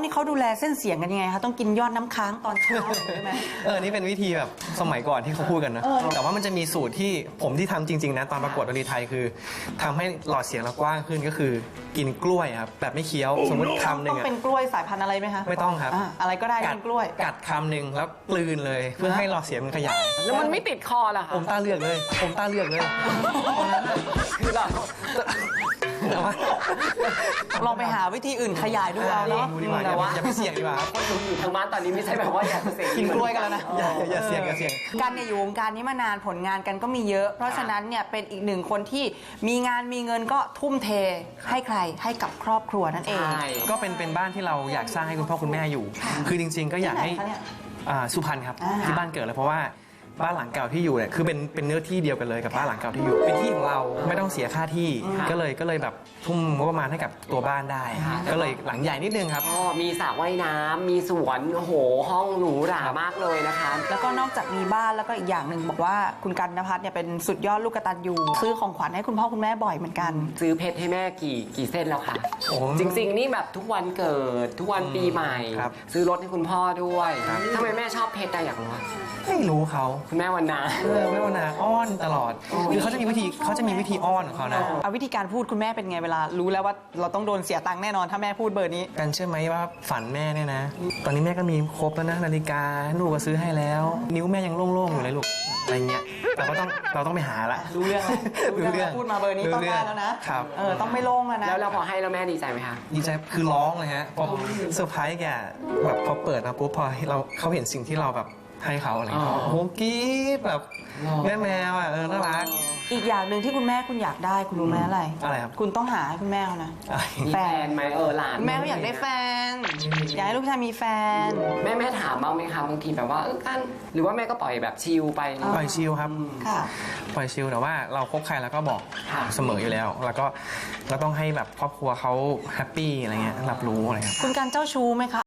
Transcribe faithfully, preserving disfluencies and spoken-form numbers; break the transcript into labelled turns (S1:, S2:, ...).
S1: นี่เขาดูแลเส้นเสียงกันยังไงคะต้องกินยอดน้ำค้างตอนเช้าใช่ไหม
S2: เออนี่เป็นวิธีแบบสมัยก่อนที่เขาพูดกันนะแต่ว่ามันจะมีสูตรที่ผมที่ทำจริงๆนะตอนประกวดดนตรีไทยคือทำให้หลอดเสียงเรากว้างขึ้นก็คือกินกล้วยครับแบบไม่เคี้ยวสมมติคำหนึ่
S1: ต้อง ง
S2: อะ
S1: เป็นกล้วยสายพันธุ์อะไรไหมคะ
S2: ไม่ต้องครับ
S1: อ่ะอะไรก็ได้
S2: กั
S1: กินกล้วย
S2: กัดคำหนึ่งแล้วกลืนเลยเพื่อให้หลอดเสียงมันขยาย
S3: แล้วมันไม่ติดคอเหรอคะ
S2: ผมตาเลือกเลย ผมตาเลือกเลย
S3: คือเรา
S2: แต่ว่า
S1: ลองไปหาวิธีอื่นขยายดูเอาเนาะ
S2: ดูดีกว่าอย่าอย่าไปเสี่ยงดีกว่าครับ
S3: คนดูอยู่ทางบ้านตอนนี้ไม่ใช่แบบว่าอยากจะเสก
S1: กินกล้วยกันแล้วนะ
S2: อย่าอย่าอย่าเสี่ยงอย่าเสี่ยง
S1: กันเนี่ยอยู่วงการนี้มานานผลงานกันก็มีเยอะ เพราะฉะนั้นเนี่ยเป็นอีกหนึ่งคนที่มีงานมีเงินก็ทุ่มเทให้ใครให้กับครอบครัวนั่นเอง
S3: ใช่
S2: ก็เป็นเป็นบ้านที่เราอยากสร้างให้คุณพ่อคุณแม่อยู่ คือจริง ๆ ก็อยากให้
S1: ที่ไหนคะเนี่ย
S2: อ่าสุพรรณครับ
S1: อ่า
S2: ที่บ้านเกิดเลยเพราะว่าบ้านหลังเก่าที่อยู่เนี่ยคือเป็นเป็นเนื้อที่เดียวกันเลยกับบ้านหลังเก่าที่อยู่เป็นที่ของเราไม่ต้องเสียค่าที่ก็เลยก็เลยแบบทุ่มงบประมาณให้กับตัวบ้านได้ ก็เลยหลังใหญ่นิดนึงครับ
S3: ก็มีสระว่ายน้ำมีสวนโอ้โหห้องหรูหรามากเลยนะคะ
S1: แล้วก็นอกจากมีบ้านแล้วก็อีกอย่างหนึ่งบอกว่าคุณกันนภัทรเนี่ยเป็นสุดยอดลูกกตัญญูซื้อของขวัญให้คุณพ่อคุณแม่บ่อยเหมือนกัน
S3: ซื้อเพชรให้แม่กี่กี่เส้นแล้วคะ
S2: โอ้โห
S3: จริงๆ นี่แบบทุกวันเกิดทุกวันปีใหม่
S2: ครับ
S3: ซื้อรถให้คุณพ่อด้วย
S2: ครับ
S3: ทำไมแม่ชอบเพชรได้อยากรู้อะ
S2: ไม่รู้เขา
S3: คุณแม่วันนา
S2: เออไม่ว่านาอ้อนตลอดคือเขาจะมีวิธีเขาจะมีวิธีอ้อนของเขานะ
S1: เอาวิธีการพูดคุณแม่เป็นไงเวลา รู้แล้วว่าเราต้องโดนเสียตังค์แน่นอนถ้าแม่พูดเบอร์นี้
S2: กันเชื่อไหมว่าฝันแม่เนี่ยนะ ตอนนี้แม่ก็มีครบแล้วนะนาฬิกาลูกก็ซื้อให้แล้ว นิ้วแม่ยังโล่งๆอยู่เลยลูกอะไรเงี้ยเราก็ต้องเราต้องไปหาละ
S1: รู้เรื่องแล้วรู้เรื่องแล้วพูดมาเบอร์นี้ต้องได้แล้วนะครับ เออต้องไม่โล่งแล้วนะ
S3: แล้วเราพอให้แล้วแม่ดีใจไหมคะ
S2: ดีใจคือร้องเลยฮะพอเซอร์ไพรส์แกแบบพอเปิดมาปุ๊บพอเราเขาเห็นสิ่งที่เราแบบให้เขาอะไรเงี้ย
S3: อ๋อ
S2: โอ้โหกรี๊ดแบบแม่แมวอ่ะเออน่ารัก
S1: อีกอย่างหนึ่งที่คุณแม่คุณอยากได้คุณรู้ไหมอะไร
S2: อะไรครับ
S1: คุณต้องหาให้คุณแม่เขานะ
S2: อะไร
S3: มีแฟนไหมเออหลาน
S1: คุณแม่เขาอยากได้แฟน อยากให้ลูกชายมีแฟน
S3: แม่แม่ถามบ้างไหมคะบางทีแบบว่าเออกันหรือว่าแม่ก็ปล่อยแบบชิลไป
S2: ปล่อยชิลครับ
S1: ค่ะ
S2: ปล่อยชิลแต่ว่าเราคบใครแล้วก็บอก
S3: ค่ะ
S2: เสมออยู่แล้ว แล้วก็เราต้องให้แบบครอบครัวเขาแฮปปี้อะไรเงี้ยรับรู้อะไรครับ
S1: คุณการเจ้าชู้ไหมคะ